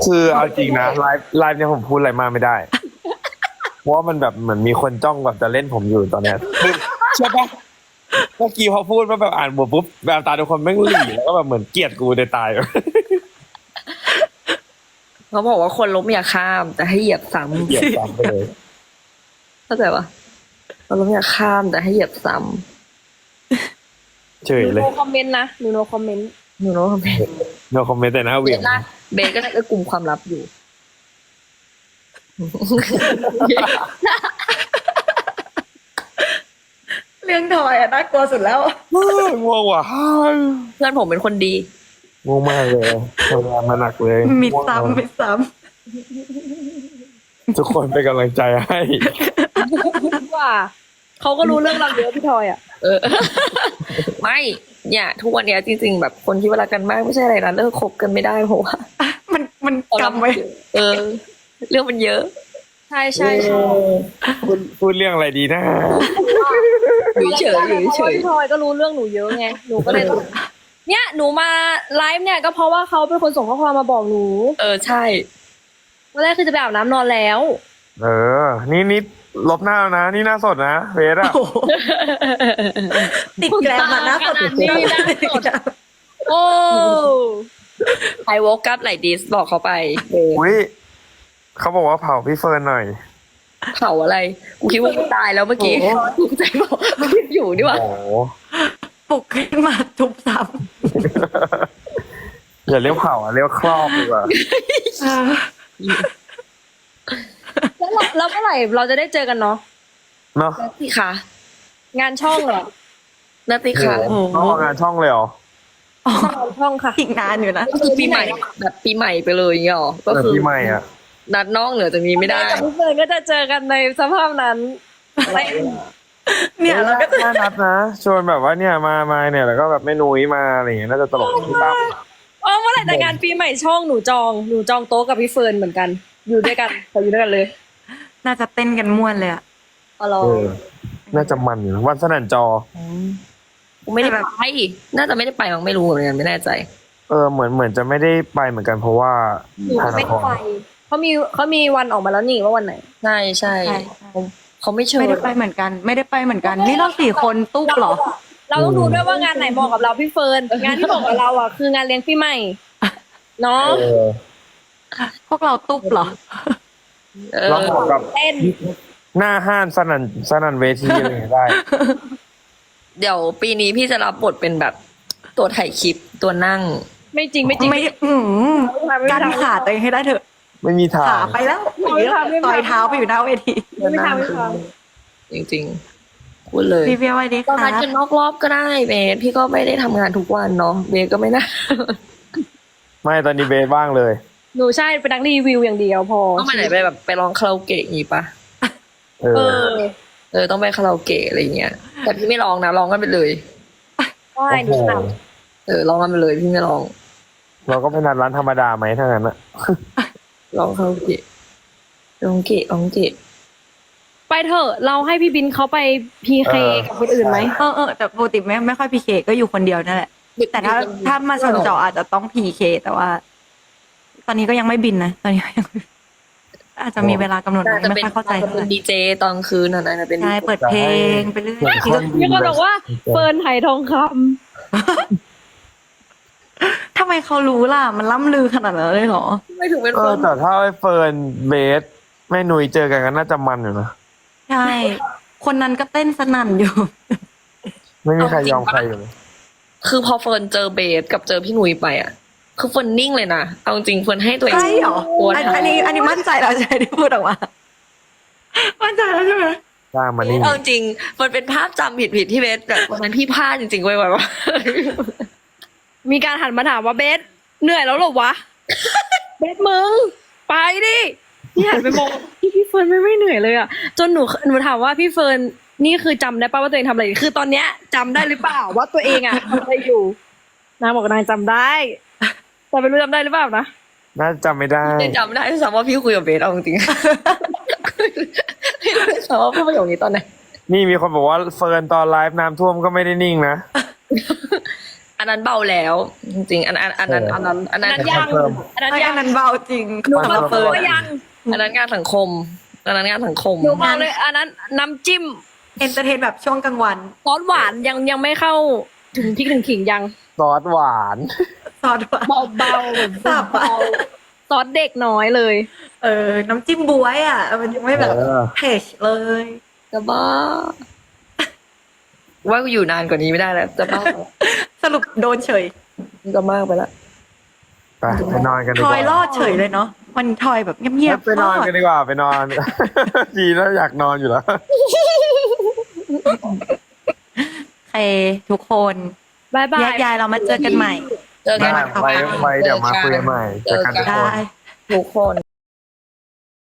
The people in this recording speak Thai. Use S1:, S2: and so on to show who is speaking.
S1: คือเอาจริงนะไลฟ์เนี่ยผมพูดอะไรมากไม่ได้เพราะว่ามันแบบเหมือนมีคนจ้องแบบจะเล่นผมอยู่ตอนเนี้ยคือใช่ปะเมื่อกี้พอพูดว่าแบบอ่านบทปุ๊บแบบตาทุกคนแม่งหลีแล้วก็แบบเหมือนเกลียดกูในตาย
S2: เขาบอกว่าคนล้มอย่าข้ามแต่ให้เหยียบซ้
S1: เกลียดตามไปเลย
S2: ำเข้าใจปะคนล้มอย่าข้ามแต่ให้เหยียบซ้
S1: เฉย
S3: หนู
S1: เลย
S3: โนคอมเมนต์นะหนูโนคอมเมนต์
S2: ำหนูรู้ว่าเบส
S1: no comment แต่หน้าเหวี่ยง
S2: เบสก็น่าจะกลุ่มความลับอยู่
S4: เรื่องทอยอะน่ากลัวสุดแล้ว
S1: ง่วงว่ะ
S2: เพื่อนผมเป็นคนดี
S1: ง่วงมากเลยทำงานมาหนักเลย
S4: มิดซ้ำมิดซ้
S1: ทุกคนเป็นกำลังใจให้
S3: ว่าเขาก็รู้เรื่องเราเยอะพี่ทอยอ่ะ
S2: เออ ไม่เนี่ยทุกวันเนี้ยจริงๆแบบคนที่เวลากันมากไม่ใช่อะไรนะเลิกคบกันไม่ได้เพราะว่า
S4: ำมันกำไว้
S2: เออ เรื่องมันเยอะ
S3: ใช่ใช่ใช่
S1: พูดเรื่องอะไรดีนะ
S2: อยู่เฉยอยู่
S3: เพ
S2: เฉ
S3: ราะว่าย พี่ทอยก็รู้เรื่องหนูเยอะไงหนูก็เลยเนี่ยหนูมาไลฟ์เนี่ยก็เพราะว่าเขาเป็นคนส่งข้อความมาบอกหนู
S2: เออใช่
S3: ตอนแรกคือจะไปอาบน้ำนอนแล้ว
S1: เออ นี่ลบหน้าแล้วนะ นี่หน้าสดนะเฟสอะ
S4: โอ้โหติดแกรมอะนะ
S3: ขนาดนี้นะสด โอ้
S2: I woke up like this บอกเขาไปเออ
S1: อุ้ยเขาบอกว่าเผาพี่เฟิร์นหน่อย
S2: เผาอะไร กูคิดว่ากูตายแล้วเมื่อกี้กูใจบอกคิดอยู่ดีว่า
S1: โอ้โห
S4: ปลุกขึ้นมาทุบซ้
S1: อย่าเรียกเผาอะเรียกครอบดีกว่า
S4: ำ
S3: แล้วเมื่อไหร่เราจะได้เจอกันเนาะ
S1: เนาะ
S2: นาติค่ะ
S3: งานช่องเหรอ
S2: นาติค่ะ
S1: โอ้โหน้องออกงานช่องเลยเหรอ
S3: งานช่องค่ะ
S4: อีกนานอยู่นะ
S2: ก็คือปีใหม่แบบปีใหม่ไปเลยอย่างเงี้ยหรอก็คือ
S1: พี่ใหม่อะ
S2: นัดน้องเหนือจะมีไม่ได้
S3: กับพี่เฟิร์นก็จะเจอกันในสภาพนั้น
S4: เนี่ยเราก็จะ
S1: น่านัดนะชวนแบบว่าเนี่ยมาเนี่ยแล้วก็แบบไม่นุ้ยมาอะไรอย่างเงี้ยน่าจะตลกพี่ตั้ม
S3: เมื่อไหร่แต่งานปีใหม่ช่องหนูจองโต๊ะกับพี่เฟิร์นเหมือนกัน อยู่ด้วยกันขออยู่ด้วยกันเลย
S4: น่าจะเต้นกันม่วนเลยอะ
S3: อ๋อเหรอ
S1: เออน่าจะมันอยู่นะวันสนั่นจอ
S2: กูไม่ได้ไปน่าจะไม่ได้ไปมั้งไม่รู้เหมือนกันไม่แน่ใจ
S1: เออเหมือนจะไม่ได้ไปเหมือนกันเพราะว่า
S3: หนู
S1: ถ่าย
S3: ไม่
S1: ละค
S3: ได้
S1: ร
S3: ไปเขามีวันออกมาแล้วนี่ว่าวันไหน
S2: ใช่ใช่
S4: ใช่
S2: เขาไม่เชิญ
S4: ไม่ได้ไปเหมือนกัน ไม่ได้ไปเหมือนกัน นี่เราสี่คนตุ๊บเหรอ
S3: เราต้องดูด้วยว่างานไหนเหมาะกับเราพี่เฟิร์นงานที่เหมาะกับเราอ่ะคืองานเลี้ยงปีใหม่เนาะ
S1: เออ
S4: พวกเราตุ๊บเหรอ
S2: เอ
S1: เรา
S2: อ
S1: เหมาะกับ
S3: เต้น
S1: หน้าห้านสนั่นเวทีอะไรอย่างเงี้ยได้
S2: เดี๋ยวปีนี้พี่จะรับบทเป็นแบบตัวถ่ายคลิปตัวนั่ง
S3: ไม่จริงไม่จริง
S4: ไม่กันขาตัวเองให้ได้เถอะ
S1: ไม่มีทา
S4: ขาง ไปแล้วต่อยเท้าไปอยู่หน้าเวที
S3: ไม่ทำไม่ท
S2: จริงๆพูดเลย
S4: พี่เบียร์ไว้ดี
S2: ตอน
S4: ค่ะ
S2: นัดกันนอกรอบก็ได้เบสพี่ก็ไม่ได้ทำงานทุกวันเนาะเบสก็ไม่น่า
S1: ไม่ตอนนี้เบสว่างเลย
S3: ำหนูใช่เป็นนักรีวิวอย่างเดียวพอ
S2: ต้องไปไหนไปแบบไปร้องคาราโอเกะอย่างงี้ปะ
S1: เอ
S3: เอ
S1: อ
S3: อ
S2: ต้องไปคาราโอเกะอะไรเงี้ยแต่พี่ไม่ร้องนะร้องกันไปเลย
S3: ได้หนูท
S2: ร้องกันไปเลยพี่ไม่ร้อง
S1: เราก็ไปนัดร้านธรรมดาไหมถ้างั้นอะ
S2: ร้องคาราโอเกะร้องเกะร้องเกะ
S3: ำไปเถอะเราให้พี่บินเขาไปพีเคกับคนอื่นไหม
S4: แต่ปกติไม่ค่อยพีเคก็อยู่คนเดียวนั่นแหละ แต่ถ้ามาชนจออาจจะต้องพีเคแต่ว่า ตอนนี้ก็ยังไม่บินนะ ตอนนี้ก็ยังอาจจะมีเวลากำหนด
S2: น่าจะ
S4: ไม่
S2: เป็น
S4: ค่อยเข้าใจ
S2: จะ
S4: เท่า
S2: เป็น
S4: ไหร่
S2: ดีเจตอนคืนน่ะนะเป็น
S4: ใช่เปิดเพลงไปเรื่อย
S3: มีคนบอกว่าเฟิร์นไหทองค
S4: ทำไมเขารู้ล่ะ มันล่ำลือขนาดนั้นเลยเหรอ
S2: ไม่ถึงเป็น
S1: เอ
S2: ค
S1: อน แต่ถ้าไอ้เฟิร์นเบสแม่นุ้ยเจอกันก็น่าจะมันอยู่นะ
S4: ใช่ คนนั้นก็เต้นสนั่นอยู่
S1: ไม่มีใครยอมใครอยู่เลย
S2: คือพอเฟิร์นเจอเบสกับเจอพี่หนุ่ยไปอ่ะ คือเฟิร์นนิ่งเลยนะเอาจริงเฟิร์นให้ตัวเอง
S4: ใช่เหรอ
S2: ตัว
S4: อันนี้มั่นใจแล้วใช่ที่พูดออกมา มั่นใจแล้วใช่ไหม
S1: กล้ามานี่
S2: เอาจริงมันเป็นภาพจำผิดที่เบสแบบวันนั้นพี่พลาดจริงๆเว้ยว่า
S3: ำมีการหันมาถามว่าเบสเหนื่อยแล้วเหรอวะ เบสมึงไปดิพี่หันไปมองพี่เฟิร์นไม่เหนื่อยเลยอ่ะจนหนูถามว่าพี่เฟิร์นนี่คือจำได้ป่ะว่าตัวเองทำอะไรอยู่คือตอนเนี้ยจำได้หรือเปล่าว่าตัวเองอ่ะทำอะไรอยู่นางบอกนางจำได้แต่ไม่รู้จำได้หรือเปล่านะ
S1: น่าจะจำไม่ได้
S2: ยังจำได้ด้วยซ้ำว่าพี่คุยกับเบสเอาจริงๆไม่รู้ด้วยซ้ำว่าพูดประโยคนี้ตอนไหน
S1: นี่มีคนบอกว่าเฟิร์นตอนไลฟ์น้ำท่วมก็ไม่ได้นิ่งนะ
S2: อันนั้นเบาแล้ว จริงๆ อันนั้น
S3: ยัง
S1: เพิ่ม
S3: อันนั้น
S4: เอ้ย
S3: ยั
S4: อั
S3: ง
S4: นนั้นเบาจริง
S3: หนู
S1: มัน
S3: บอก
S1: เพิ่ม
S3: ว่ายัง
S2: อันนั้นงานสังคมอันนั้นงานสังคม
S3: หนูบอกเลยอันนั้นน้ำจิ้ม
S4: เอนเตอร์เทนแบบช่วงกลางวัน
S3: ซอสหวานยังไม่เข้าถึงพริกถึงขิงยัง
S1: ซอสหวาน
S4: ซอสหวาน
S3: เบาๆแบบ
S4: สับอะ
S3: ซอสเด็กน้อยเลย
S4: น้ำจิ้มบวยอ่ะ มันยังไม่แบบ
S1: เออ
S4: เผ็ดเลย
S2: จะบ้า ว่าอยู่นานกว่านี้ไม่ได้แล้ว จะบ้า
S4: สรุปโดนเฉย
S2: จะมากไปแล้ว
S1: ไปนอนกันดี
S4: ท
S1: ก
S4: อ
S1: ว่าย
S4: รอดเฉยเลยเนาะวันนี้ทอยแบบเงียบๆ
S1: ไปนอนกันดีกว่าไปนอน ดีแล้วอยากนอนอยู่แล้ว
S4: โอเคทุกคน
S3: บายบา
S4: แย
S3: ย
S4: กย้ายเรามาเจอกันใหม่
S2: เจอกัน
S1: ได้ไว้เดี๋ยวมาคุยกันใหม่เจอกันทุกคน
S4: ได้
S2: ทุกคน